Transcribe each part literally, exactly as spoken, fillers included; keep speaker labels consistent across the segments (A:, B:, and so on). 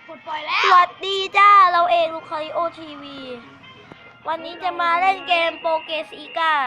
A: กดปล่อยแล้ว
B: สวัสดีจ้าเราเองลูกคาริโอทีวีวันนี้จะมาเล่นเกมโปเกซีกา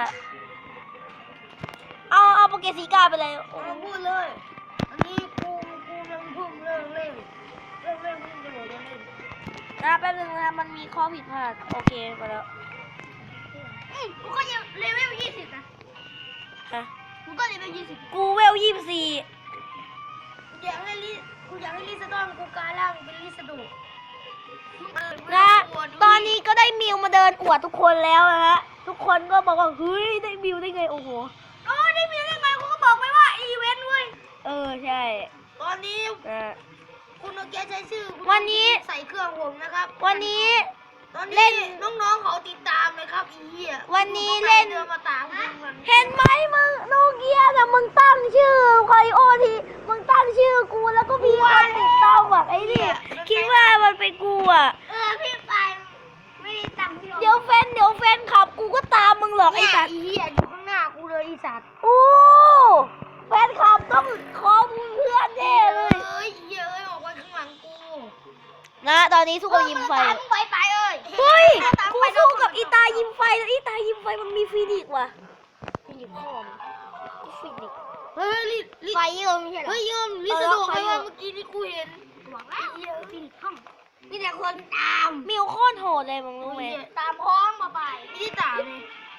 B: เอาเอาโปเกซีกาไปเลยโอ้
A: เอาพูดเลยอันนี้กูกูยังเพิ่งเริ่มเล่นเริ่มเล่นเพิ่งจะบอกเล่นเล่น
B: นะแป๊บนึงนะมันมีข้อผิดพลาดโอเคมาแล้ว
A: อืมกูก็ยังเลเวลยี่สิบนะ
B: ฮะ
A: กูก็เลเวลยี่สิบ
B: กูเวลยี่สิบสี่
A: กูอยากให้ลิกูอยากให้ลิซาดอนกูกลายร่างเป็นลิซาโด
B: นะตอนนี้ก็ได้มิวมาเดินอวดทุกคนแล้วนะฮะทุกคนก็บอกว่าเฮ้ยได้มิวได้ไงโอ้โห
A: โอ้ได้มีได้ไงกูก็บอกไปว่าอีเวนต์เว้ย
B: เออใช่
A: ตอนนี้
B: นะ
A: คุณโนเกียใช้ชื่อคุณ
B: วันนี้
A: ใส่เครื่องผมนะครับ
B: วันนี้
A: ตอน
B: เล่
A: นี้
B: น
A: น้องๆเขาติดตามเลยครับอีเหี้ย
B: วันนี้เล่น
A: เดินมาตามกูมัน
B: เห็นไหมมึงโนเกียนะมึงตั้งชื่อคาริโอทีมึงตั้งชื่อกูแล้วก็มีคนติดตามแบบไอ้นี่คิดว่ามันเป็นกูอ่ะ
A: เออพี่ไปไม่ได้ตังค์พี่หรอก
B: เดี๋ยวแฟนเดี๋ยวแฟนขับกูก็ตามมึงหรอกไอ้
A: เนี่ย
B: สัตว์
A: อีเหี้ยอยู่ข้างหน้ากูเลยอีสัตว์
B: โอ้แฟนขับต้องขอมึงเพื่อนแน่เลย
A: เอ้ยเย้ยออกไปข้างหลังกู
B: นะตอนนี้สู้กับยิมไฟ
A: ตามไปไปเอ้ย
B: เฮ้ย
A: ตาม
B: กู
A: ไป
B: สู้กับอีตายิมไฟแล้วอีตายิมไฟมันมีฟีนิกซ์ว่ะฟีนิกซ์พ่อมงฟีนิกซ์
A: เฮ้ยลิลิ
B: ไฟเยอะไม่ใช่เหรอ
A: เฮ้ยยอมลิ
B: เออ
A: สะดวก
B: ไฟ
A: ไป
B: เย
A: ว่า
B: อะ
A: เมื่อกี้นี่กูเห็นหวังแล้วเยอะพี่ห้องมีแต่คนตาม
B: มิวโคตรโหดเลยมึงรู้ไหม
A: ตามพร้อมมาไปไม่ได้ตามเลย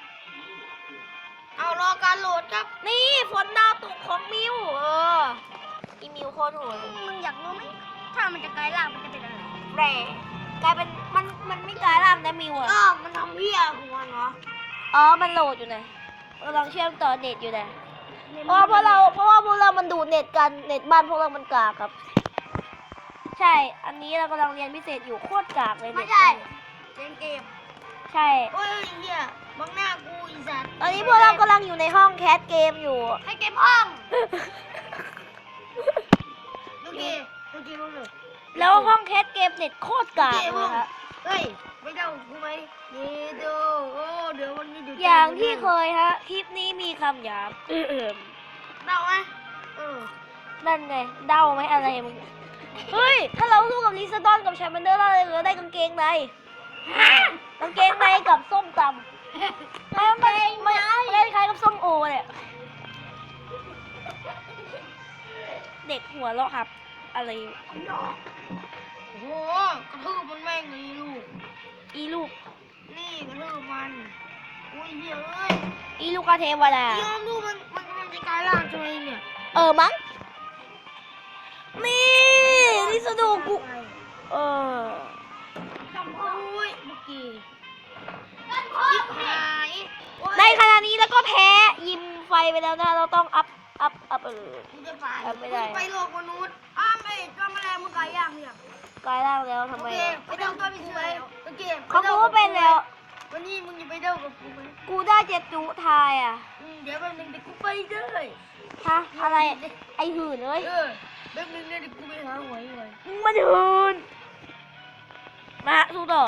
A: เอารอการโหลดครับ
B: นี่ฝนดาวตกของมิวเอออีมิวโคตรโหดเลย
A: มึงอยากรู้ไหมถ้ามันจะกลายร่างมันจะเป็นอะไร
B: แร่กลายเป็นมันมันไม่กลายร่างนะมิวอะ
A: ก็มันทำเพี้ยหัวเนาะ
B: อ๋อมันโหลดอยู่นะกำลังเชื่อมต่อเน็ตอยู่นะเพราะเพราะเราเพราะว่าพวกเรามันดูดเน็ตกันเน็ตบ้านพวกเรามันกากครับ ใช่ อันนี้เรากำลังเรียนพิเศษอยู่โคตรกากเลย
A: ไม่
B: เน็ต
A: ใช่
B: บ้าน
A: เล่นเกม
B: ใช่
A: โอ้ยเฮียบังหน้ากูอีสัตว์
B: ตอนนี้พวกเรากำลังอยู่ในห้องแคสเกมอยู่
A: ให้เกมห้องโอเคโอเคมึงเลย
B: แล้วห้องแคสเกมเน็ตโคตรกากเลยฮะ
A: เฮ้ยไม่เดากูไหมเยโดโอ้เดี๋ยววันนี้เดี๋ยว
B: อย่างที่เคยฮะ คลิปนี้มีคำหยาบเอิ่ม
A: เดาไหมเออ
B: นั่นไงเดาไหมอะไรมึง เฮ้ย ถ้าเราสู้กับลิซาดอนกับชาแมนเดอร์เราเลยได้กางเกงในกางเกงในกับส้มตำไม่ไม่ไม่ไม่คล้ายกับส้มโอเนี่ยเด็กหัวเราะครับ อะไร
A: โอ้โหกระทืบมันแม่งเลยลูก
B: อีลูก
A: นี่กระทืบมันอุ้ยเฮ้ยเอ้ย
B: อีลูกกาเทวดา
A: ยอมดูมันมันกำลังจะกลายร่างใช่ไหมเนี่ย
B: เออมั้งนี่ลิซาโดกูเออ
A: จำพูดเมื่อกี้ชิบหาย
B: ในขณะนี้แล้วก็แพ้ยิมไฟไปแล้วนะเราต้องอัพอัพอัพเออ
A: มึงจะไป
B: เอาไม่ได้
A: มึงไปโลกมนุษย์อ้าวไม่จอมแมลงมึงกลายย่างเนี่ย
B: กลายร่างแล้วทำ
A: โอ
B: ไม
A: เคไปเดาตัวนี้เลยโอเค
B: เขากูก็เป็นแล้ว
A: วันนี้มึงจะไปเดากับกูไหม
B: กูได้เจ็ดจุทายอ่ะ
A: อืมเดี๋ยวแป๊บนึงเดี๋ยวกูไปเลย
B: ฮะอะไรไอหื่นเอ้ย
A: เออแป๊บนึงเดี๋ยวกูไปหาหวยเลย
B: มึงมันหื่นมาสู้ต่อ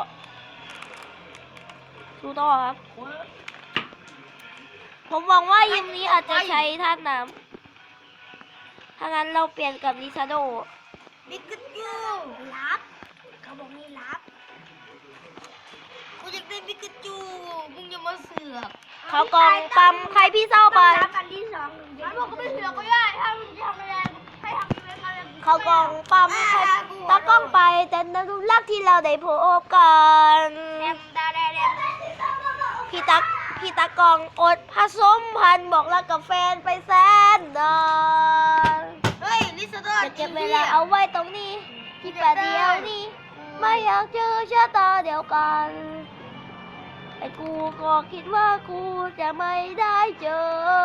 B: สู้ต่อครับ
A: หวย
B: ผมหวังว่ายิมนี้อาจจะใช้ธาตุน้ำถ้างั้นเราเปลี่ยนกับลิซาโด
A: บิ๊กกจูรับเขาบอกมีรับกูอยากได้บิ๊กกจูมึงอย่ามาเสือก
B: เขากองปั๊มใครพี่เศร้าไป
A: รับอันที่สองมันบอกก็ไม่เสือกก็ได้ถ้ามึงจะทำอะไรให้ทำอีเวนต์อะไร
B: เขากองปั๊มใครตากล้องไปแต่นรุรักที่เราได้พบกัน
A: แดมดาแดมแดม
B: พี่ตักพี่ตากองอดผสมพันธุ์บอกรักกับแฟนไปแสนนาน
A: เฮ้ยลิซาดอน
B: จะเก็บเวลาเอาไว้ตรงนี้ที่แปดเดียวนี้ไม่อยากเจอชะตาเดียวกันไอ้กูก็คิดว่ากูจะไม่ได้เจอ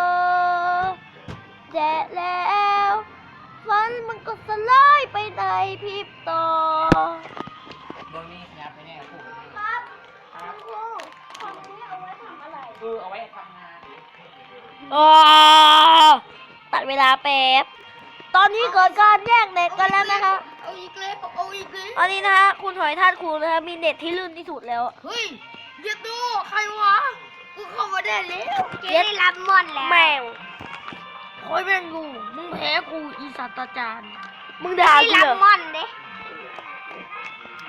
B: แต่แล้วฝันมันก็สลายไปในพริบตา
C: บนนี้ขยับไปแน่พูด
A: ครับ
C: ครับ
A: ครูของนี้เอาไว้ทำอะไร
C: เออเอาไว้ทำงาน
B: อ๋อตัดเวลาแป๊บ ตอนนี้เกิดการแย่งเน็ตกันแล้วนะคะ
A: เอาอีกเลยเอาอีกเลย
B: ตอนนี้นะคะคุณหอยทาดคูนะคะมีเน็ตที่ลื่นที่สุดแล้ว
A: เฮ้ยอย่าดูใครวะกูเข้ามาได้แล้วเกได้รับมอนแล้ว
B: แมว
A: คอยแม่งกูมึงแพ้กูอีสัตว์ตาจารย์
B: มึงด่า
A: ได้
B: กู
A: รับ
B: เหรอ
A: มอนเด้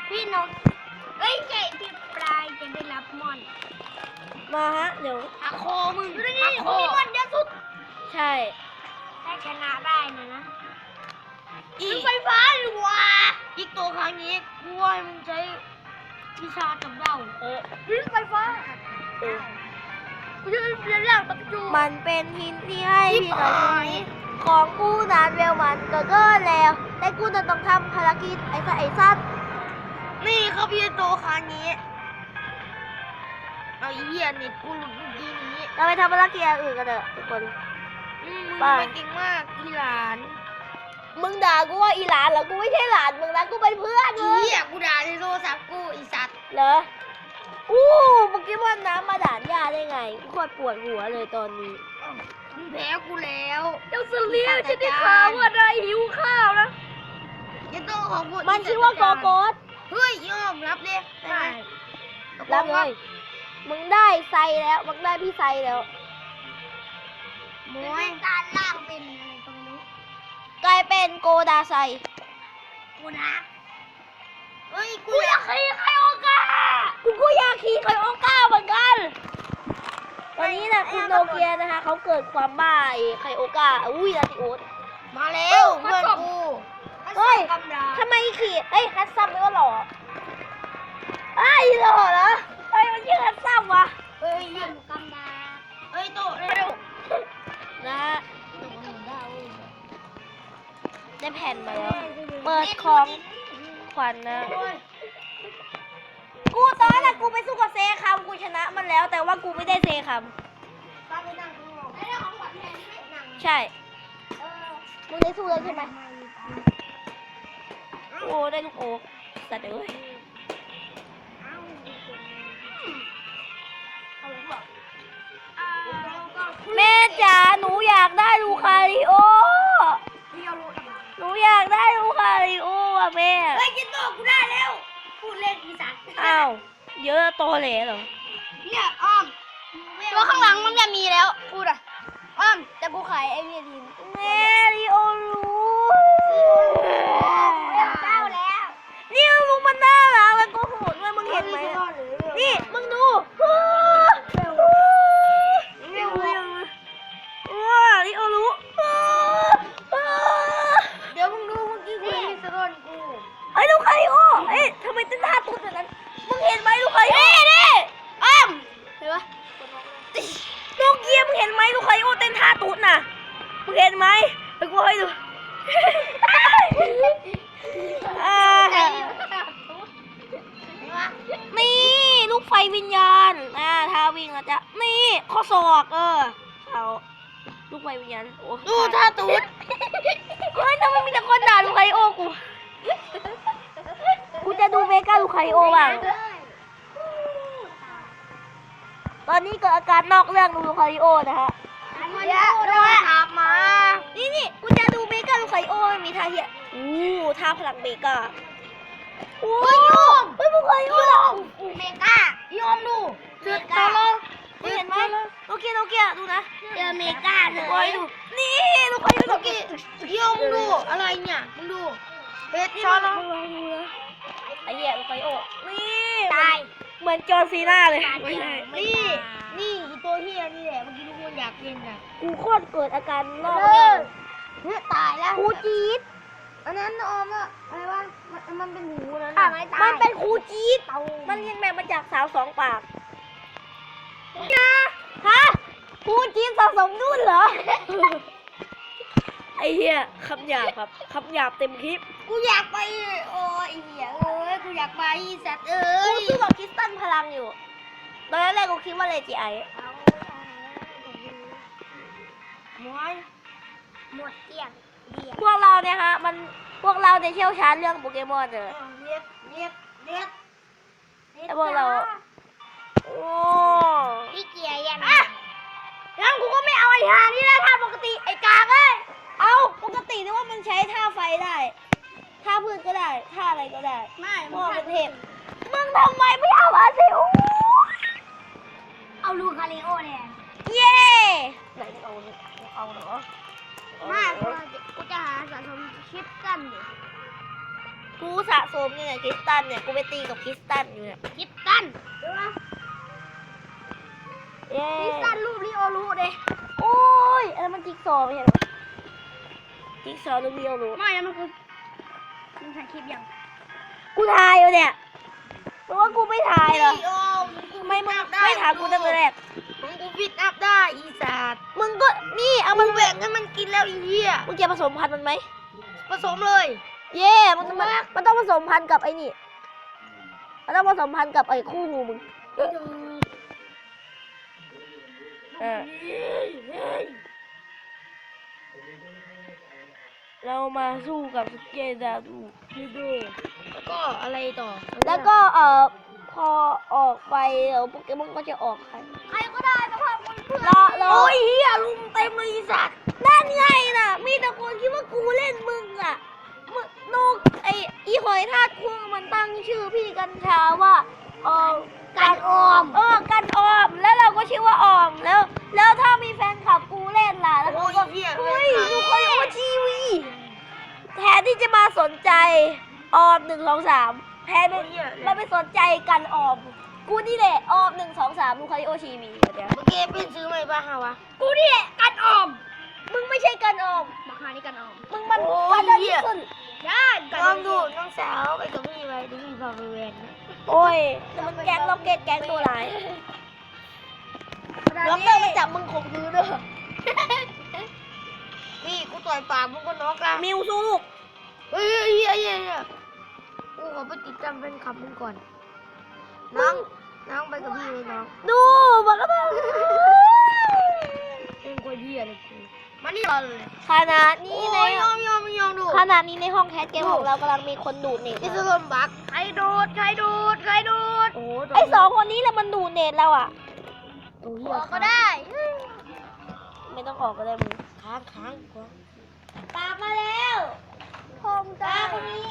A: พี่นกเอ้ยไก่ที่ปลายจะได้รับมอน
B: มาฮะเดี๋ยว
A: อะโคมึงอะโคมีมอนเยอะสุด
B: ใช่
A: ถ้าชนะได้นะนะอีกไฟฟ้าหรือวะอีกตัวครั้งนี้กูว่ามึงใช้วิชาจับเดา
B: เออ
A: ดึงไฟฟ้า
B: เออ
A: กูจะเรียนเรื่องปักจู
B: มันเป็นหินที่ให้
A: ที่
B: พี่
A: ป
B: กับ
A: ลาย
B: ของกูนานเวลมันก็เกินแล้วแต่กูจะต้องทำภารกิจไอ้สัสไอ้สัตว์
A: นี่ครับพี่โตครั้งนี้เอาอีเหี้ยเน็ตกูหลุดเมื่อกี้นี้
B: เราไปทำภารกิจอย่างอื่นกันเถอะทุกคน
A: อืมมึง
B: ไป
A: ไปเก่งมากอีหลาน
B: มึงด่ากูว่าอีหลานเหรอ กูไม่ใช่หลานมึงนะ กูเป็นเพื่อน
A: อี
B: มึง
A: เหี้ยกูด่าในโทรศัพท์กูอีสัตว์
B: เหรอ อู้เมื่อกี้ว่าน้ำมาด่านยาได้ไง กูโคตรปวดหัวเลยตอนนี้
A: มึงแพ้กูแล้ว
B: เจ้าสลีฟฉันได้ข่าวว่าได้หิวข้าวนะ
A: ยังต้องขอบคุณ
B: มันชื่อว่าโกโกส
A: เฮ้ยยอมรับเลยได้ไหม
B: รับเลย มึงได้ไซแล้ว มึงได้พี่ไซแล้ว
A: มวยการล่างเป็นอะไรตรงนี้
B: กลายเป็นโกดาไซ
A: กูนะเฮ้ยกูอยากขี่ไคโอกา
B: กูก็อยากขี่ไคโอก้าเหมือนกัน ตอนนี้นะคุณโนเกียนะคะเขาเกิดความบ้าไอ้ไคโอก้า อุ้ยลาติโอส
A: มาแล้วเพื่อนกู
B: เฮ้ย
A: กำดา
B: ทำไมขี่เอ้ยฮัตซัมไม่ว่าหล่อไอ้ยหล่อเหรอเฮ้ยมันชื่อฮัตซัมวะ
A: เฮ้ยยังกำดาเฮ้ยโตเร็ว
B: นะฮะได้แผ่นมาแล้ว เปิดของขวัญนะ กูตอนนั้นกูไปสู้กับเซคัมกูชนะมันแล้ว แต่ว่ากูไม่ได้เซคัม
A: ป้าไปนั่งข้างนอกได้ของขวัญแทนไหมนั่ง
B: ใช่
A: เออ
B: มึงได้สู้แล้วใช่ไหมโอ้ได้ลูกโอ๊กสัตว์เอ้ยแม่จ๋าหนูอยากได้ลูคาริโอ
A: พี่เอาลูกทำไม
B: หนูอยากได้ลูคาริโออ่ะแม่
A: เฮ้ยกินโตกูได้แล้วพูดเล่นอีสัตว์
B: อ้าวเยอะโตเหล่เหรอ
A: เนี่ยอ้อมตัวข้างหลังมันจะมีแล้วพูดอ่ะอ้อม
B: แต่กูขายไอเวียทีนแม่ริโอรู้
A: เก้าแล้ว
B: นี่มึงมันน่ารักแล้วก็โหดด้วยมึงเห็นไหมอะนี่มึงดูว้าริโอรู้
A: เดี๋ยวมึงดูเมื่อกี้กูมีสะท้อนกู
B: ไอ้ลูกคาริโอเอ้ยทำไมเต้นท่าตุ๊ดแบบนั้นมึงเห็นไหมลูกคาริโอนี่อ้อมเห็นปะลูกเกียร์มึงเห็นไหมลูกคาริโอเต้นท่าตุ๊ดน่ะมึงเห็นไหมไปกูให้ดูอ่านี่ลูกไฟวิญญาณอ่าท่าวิ่งนะจ๊ะนี่ข้อศอกเออเอาลูกไฟวิญญาณโอ้
A: ดูท่าตูด
B: เฮ้ยทำไมมีแต่คนด่าลูกไคโอกู กูจะดูเมกาลูกไคโอบ้าง ตอนนี้เกิดอาการนอกเรื่องลูกไคโอนะฮะ
A: เยอะด้วยขับมา
B: นี่นี่กูจะดูเมกาลูกไคโอมันมีท่าเหี้ยอู้ท่าพลังเมกาโอ้
A: เฮ้ยโยม
B: เฮ้ยลูกไคโอ
A: โยมเมกาโยมดูเสือตาลง
B: มึงเห็นไหมโอเคโอเคดูนะ
A: เจอเมกาเล
B: โอ้ย
A: ย
B: ดู นี่ลูกไคโอ
A: เมื่อกี้โยมดูอะไรเนี่ยมึงดูเฮ็ด
B: นี่
A: ช้อน
B: มึ
A: ล
B: ง
A: ง
B: ลองดูนะไอ้เหี้ยลูกไคโอ นี่
A: ตาย
B: เหมือนจอร์ซีน่าเลยไม่ใช่
A: นี่นี่อีตัวเฮียนี่แหละเมื่อกี้ทุกคนอยากเล่นน่ะ
B: กูโคตรเกิดอาการนอก
A: เอ
B: เรื่อ
A: อง เนี่ยตายแล้ว
B: ครูจี๊ด
A: อันนั้นออมอะอะไรวะมันมันเป็นหูนั้น
B: อ่ะ
A: น่ะ
B: มันเป็นครูจี๊ด
A: เตา
B: มันเรียนแบบมาจากสาวสองปากนะฮะครูจี๊ดสะสมนุ่นเหรอ ไอ้เหี้ยคำหยาบครับคำหยาบเต็มคลิป
A: กูอยากไปโอ้ยเหี้ยเอ้ยกูอยากไปสัตว์เอ้
B: กู
A: ย
B: สู้กับคริสตันพลังอยู่ ตอนแรกกูคิดว่าเลจิไอ
A: มวยหมดเกลี้ยงเรียก
B: พวกเราเนี่ยฮะ มันพวกเราเนี่ยเชี่ยวชาญเรื่องโปเกมอนเลย
A: เรียกเรียกเรียก
B: แต่พวกเรา โอ้
A: พี่เกียร์ยัง
B: อะงั้นกูก็ไม่เอาไอ้ห่านี่แล้วท่าปกติไอ้กากเอ้ย เอาปกตินึกว่ามันใช้ท่าไฟได้ ท่าพืชก็ได้ ท่าอะไรก็ได้
A: ไม่
B: พ่อเป็นเทพมึงทำไมไม่เอาอาซิโอ
A: เอาลูคาริโอเนี่ย
B: เย่ไหนเอาเนี่ยเอาเหรอ
A: ไม่กูกูจะหาสะสมชิปกันอยู่
B: กูกูสะสมเนี่ยคริสตันเนี่ยกูไปตีกับคริสตันอยู่เนี่ย
A: คิดตันใช่ปะ
B: เย้
A: คิดตันรูปลิโอรู้เด้
B: โอ้ยอันนั้นมันจิ๊กซอว์ไม่ใช่เหรอจิ๊กซอว์ลูกเดียวรู้
A: ไม่นะมันคือมึงถ่ายคลิปยัง
B: กูทายอยู่เนี่ยเพราะว่ากูไม่ทายเหรอ
A: โอ้กู
B: ไม่มึงไม่ถามกูตั้งแต่แรก
A: มึงกูฟิตอัพได้อีสัตว์
B: มึงก็นี่เอา
A: มึ
B: มัน
A: งแบ่งให้มันกินแล้วอีเหี้ย
B: มึงจะผสมพันธุ์มันไหม
A: ผสมเลย
B: เย่มันมันมันต้องผสมพันธุ์กับไอ้นี่มันต้องผสมพันธุ์กับไอ้คู่หูมึงเออเออเรามาสู้กับสเกดาดูพี่ดู
A: แล้วก็อะไรต่อ
B: แล้วก็เอ่อพอออกไปเดี๋ยวโปเกมอนก็จะออกใคร
A: ใครก็ได้แต่ว่ามึงเพื่อน
B: รอรอ
A: โอ้ยเหี้ยลุมเต็มเลยอีสัตว์
B: นั่นไงน่ะ มีแต่คนคิดว่ากูเล่นมึงอ่ะมึงนกไออีหอยทากคุ้งมันตั้งชื่อพี่กัญชาว่าเออการออม เออการออม แล้วเราก็ชื่อว่าออม แล้ว แล้วถ้ามีแฟนคลับกูเล่นล่ะ แล้ว
A: โอ้
B: เขา
A: ย
B: ก็
A: เหี้ย
B: เฮ้ยดูคนโอทีวีแทนที่จะมาสนใจออมหนึ่งสองสามแทนไปมันไปสนใจกันออม กูนี่แหละออมหนึ่งสองสามดูคาริโอทีวีเดี๋ยว
A: เมื่อกี้เป็นซื้อใหม่ป่ะฮะวะ
B: กูนี่แหละกันออม มึงไม่ใช่กันออม
A: มาคานี่กันออม
B: มึงมัน
A: โอ้ย
B: กันเดิน
A: เหี้ย
B: ขึ้น
A: ย่านลองดูน้องสาวไปกับพี่ไปดิพี่พาไปเวน
B: โอ้ยแต่มันแก๊งล็อกเก็ตแก๊งตัวร้ายล็อกเตอร์มาจับมึงข่มขืนเด้อ
A: นี่กูต่อยปากมึงก็น็อกละ
B: มิวสู้ลูก
A: เฮ้ยเฮ้ยเฮ้ยเฮ้ยเฮ้ยกูขอไปติดตามเป็นขับมึงก่อน น้อง น้องไปกับพี่เลยน้อง
B: ดูมันก็แบบ
A: เป็นคนเหี้ยเลยกูมานี่รอเลย
B: ขนาดนี้ใน
A: โอ้ยยอมยอมยอมดู
B: ขนาดนี้ในห้องแคสเกมของเรากำลังมีคนดูดเน็ต
A: นี่คือลมบักใครดูดใครดูดใครดูดโอ้
B: ไอสองคนนี้แหละมันดูดเน็ตเราอ่ะ
A: ตัวเหี้ยก็ได้
B: ไม่ต้องออกก็ได้มึง
A: ค้างค้างค้าง
B: ตามมาแล้วผมตาคนนี้